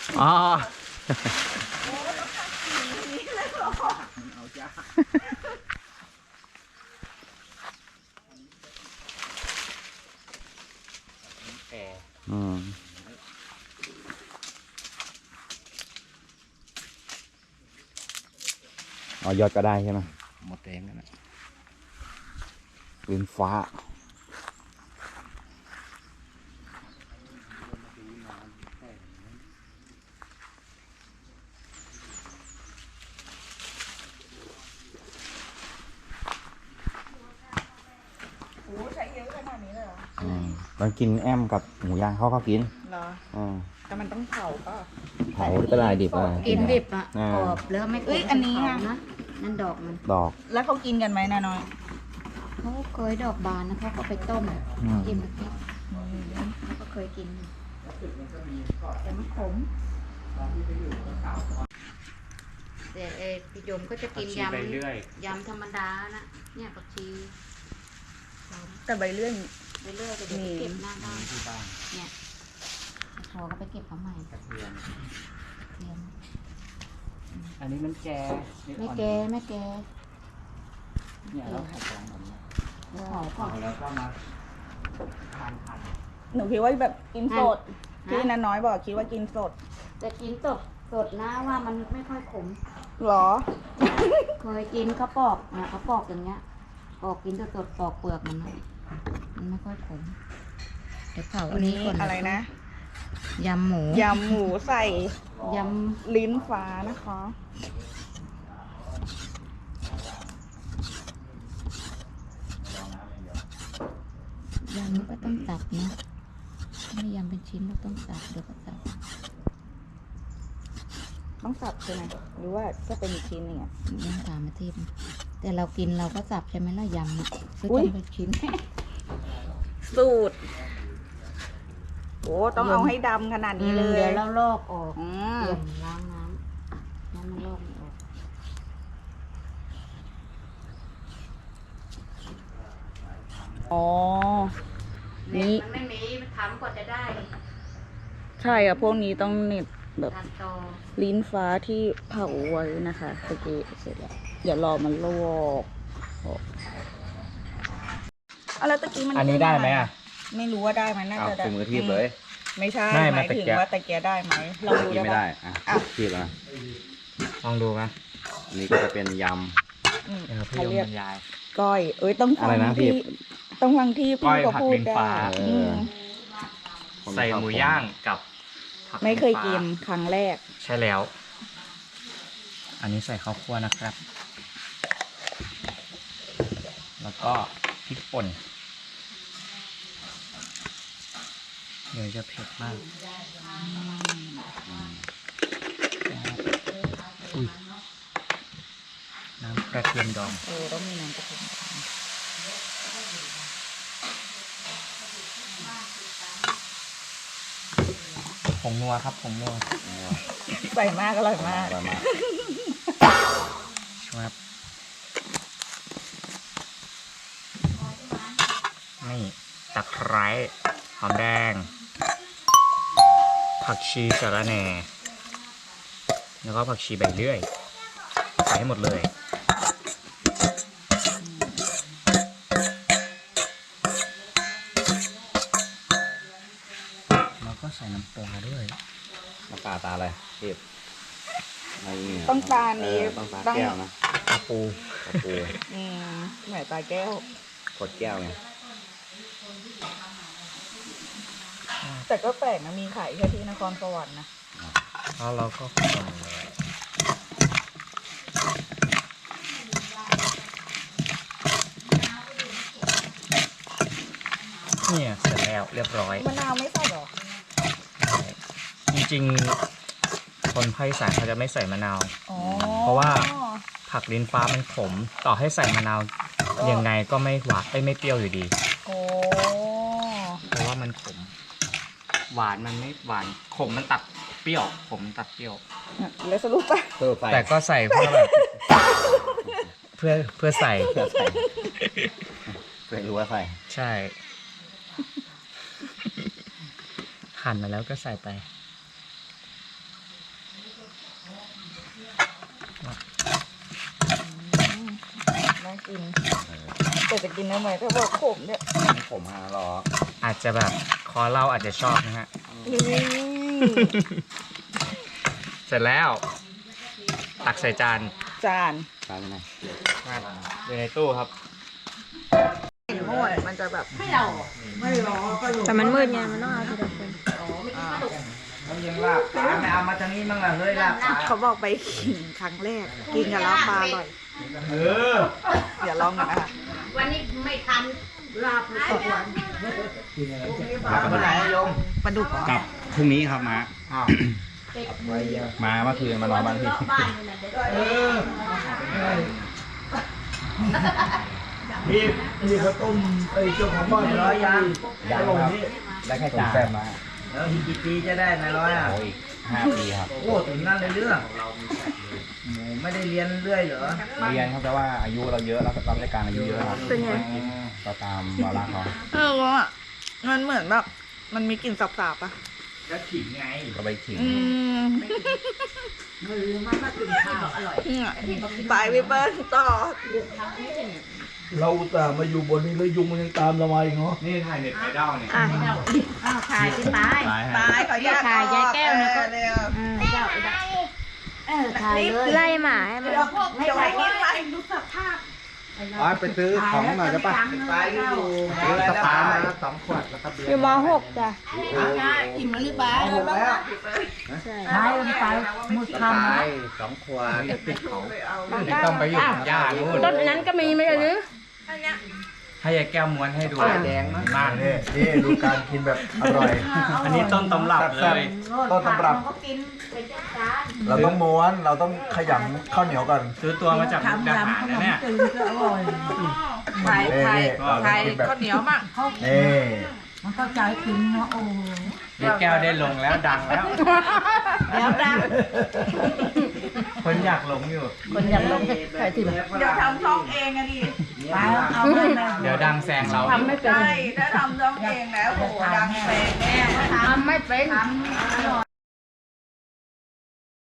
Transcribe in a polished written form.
อ๋ออ๋อยอดก็ได้ใช่ไหมหมดแรงกันนะลิ้นฟ้าใช้เยอะขนาดนี้เลยเหรอมันกินแอมกับหมูย่างเขาก็กินเหรอแต่มันต้องเผาก็เผาก็ได้ดิบอะไรกินดิบอ่ะกรอบแล้วไม่อันนี้นะนั่นดอกมันดอกแล้วเขากินกันไหมนะน้อยเขาเคยดอกบานนะเขาก็ไปต้มกินกับพริกเขาก็เคยกินแต่มันขมแต่พี่โยมก็จะกินยำธรรมดานะเนี่ยผักชีแต่ใบเลื่อนไปเรื่อยไปเดี๋ยวเก็บหน้าบ้านเนี่ยพอก็ไปเก็บเขาใหม่กระเทียมอันนี้มันแก่ไม่แกเนี่ยเราขายของแบบนี้เผาแล้วก็มาทานหนูคิดว่าแบบกินสดที่นันน้อยบอกคิดว่ากินสดแต่กินสดนะว่ามันไม่ค่อยขมหรอเคยกินเขาปอกเนี่ยเขาปอกอย่างเงี้ยปอกกินสดปอกเปลือกมันไม่ค่อยขมเดี๋ยวเผาอันนี้ก่อนอะไรนะยำหมูใส่ยำลิ้นฟ้านะคะยำก็ต้องตัดนะไม่ยำเป็นชิ้นก็ต้องตัดเดี๋ยวก็ตัดต้องสับใช่ไหมหรือว่าจะเป็นอีกชิ้นหนึ่งยังตามมาทิพย์แต่เรากินเราก็สับใช่ไหมล่ะยำซื้อเป็นชิ้นสูตรโอ้ต้องเอาให้ดำขนาดนี้เลยเดี๋ยวเราลอกออกเปลี่ยนล้างน้ำมันลอกออกอ๋อนี่มันไม่มีมันทำกว่าจะได้ใช่อะพวกนี้ต้องเน็ตแบบลิ้นฟ้าที่เผาไว้นะคะโอเคเสร็จแล้วอย่ารอมันลวกแล้วตะกี้มันอันนี้ได้ไหมอ่ะไม่รู้ว่าได้ไหมน่าจะได้มือทีบเลยไม่ใช่หมายถึงว่าตะเกียได้ไหมเราดูได้ไม่ได้ทีบนะลองดูไหมนี่ก็จะเป็นยำเขาเรียกก้อยต้องฟังที่พี่เขาพูดได้ใส่หมูย่างกับไม่เคยกินครั้งแรกใช่แล้วอันนี้ใส่ข้าวคั่วนะครับแล้วก็พริกป่นเดี๋ยวจะเผ็ดมากน้ำกระเทียมดองต้องมีน้ำกระเทียมผงนัวครับผงนัวใส่มากอร่อยมากครับนี่ตะไคร้หอมแดงผักชีสะระแหน่แล้วก็ผักชีใบเลื่อยใส่ให้หมดเลยแล้วก็ใส่น้ำปลาด้วยน้ำปลาตาอะไรเทพต้องตานี้ต้องตาแก้วนะตาปูแหมตาแก้วกดแก้วไงแต่ก็แปลกนะมีขายแค่ที่นครสวรรค์นะแล้วเราก็คนเลยเนี่ยเสร็จแล้วเรียบร้อยมะนาวไม่ใส่หรอจริงๆคนภาคอีสานเขาจะไม่ใส่มะนาวเพราะว่าผักลิ้นฟ้ามันขมต่อให้ใส่มะนาวยังไงก็ไม่หวานไม่เปรี้ยวอยู่ดีเพราะว่ามันขมหวานมันไม่หวานขมมันตัดเปรี้ยวขมตัดเปรี้ยวแล้วสรุปป่ะแต่ก็ใส่เพื่อแบบเพื่อใส่เพื่อรู้ว่าใส่ใช่หั่นมาแล้วก็ใส่ไปน่ากินแต่จะกินได้ไหมถ้าบอกขมเนี่ยไม่ขมฮะรออาจจะแบบคอเราอาจจะชอบนะฮะ เสร็จแล้ว ตักใส่จานจานตามไปไหนอยู่ในตู้ครับโม่มันจะแบบแต่มันมืดไงมันต้องเอาทีละคนน้ำเย็นลาบปลาไม่เอามาทางนี้มั่งล่ะเฮ้ยลาบปลาเขาบอกไปกินครั้งแรก กินกับลาบปลาอร่อยเออเดี๋ยวลองกันนะคะวันนี้ไม่ทันลาบเลยตกวันกลับวันไหนโยมปลาดุกเหรอกลับพรุ่งนี้ครับมามาเมื่อคืนมานอนบ้านพี่นี่เขาต้มไอ้เจ้าของบ้านร้อยยางยังครับได้แค่จานมาแล้วอีกกี่ปีจะได้นายร้อยอ่ะโอ้อีก5 ปีครับโอ้ถึงนั่นเลยเรื่องหมูไม่ได้เรียนเรื่อยเหรอเรียนครับแต่ว่าอายุเราเยอะแล้วรับราชการอายุเยอะครับเป็นไงก็ตามวาระเขาว่ามันเหมือนแบบ มันมีกลิ่นสาบๆอ่ะก็ขิงไงก็ไปขิงมือมันมากินข้าวอร่อยไปพี่เปิ้ลต่อเราอุตส่าห์มาอยู่บนนี้แล้วยุงมันยังตามเรามาอีกเนาะนี่ถ่ายเน็ตไอดอลเนี่ยอ้าวถ่ายที่ตายตายขอแยกถ่ายยายแก้วนะก็เร็วเจ้าถ่ายเลยไล่หมาให้มันเดี๋ยวเดี๋ยวให้กินไปดูสภาพอ๋อไปซื้อของหน่อยได้ปะไปอยู่ซื้อสปามา2 ขวดแล้วก็เบียอยู่ร์ม .6 จ้ะอิ่มแล้วหรือเปล่าหมดแล้วถ่ายไปมุดสคำปานะ 2 ขวดติดเขาต้องไปอยู่กับย่านู่นต้นนั้นก็มีไม่ใช่หรือให้ยายแก้วม้วนให้ดูแดงมั้งมากนี่ดูการกินแบบอร่อยอันนี้ต้นตำรับเลยต้นตำรับก็กินเป็นจานเราต้องม้วน เราต้องขยำข้าวเหนียวก่อนซื้อตัวมาจากมุกดาหารนะเนี่ยไทยไทยไทยข้าวเหนียวมั่งนี่มันก็ใจถึงเนาะโอ้ยายแก้วได้ลงแล้วดังแล้วแล้วดังคนอยากลงอยู่คนอยากลงใครที่แบบเดี๋ยวทำช่องเองอะดิไปเอาไปเลยเดี๋ยวดังแซงเราทำไม่เป็นใช่ถ้าทำช่องเองแล้วโอ้โหดังแปลงแน่ทำไม่เป็น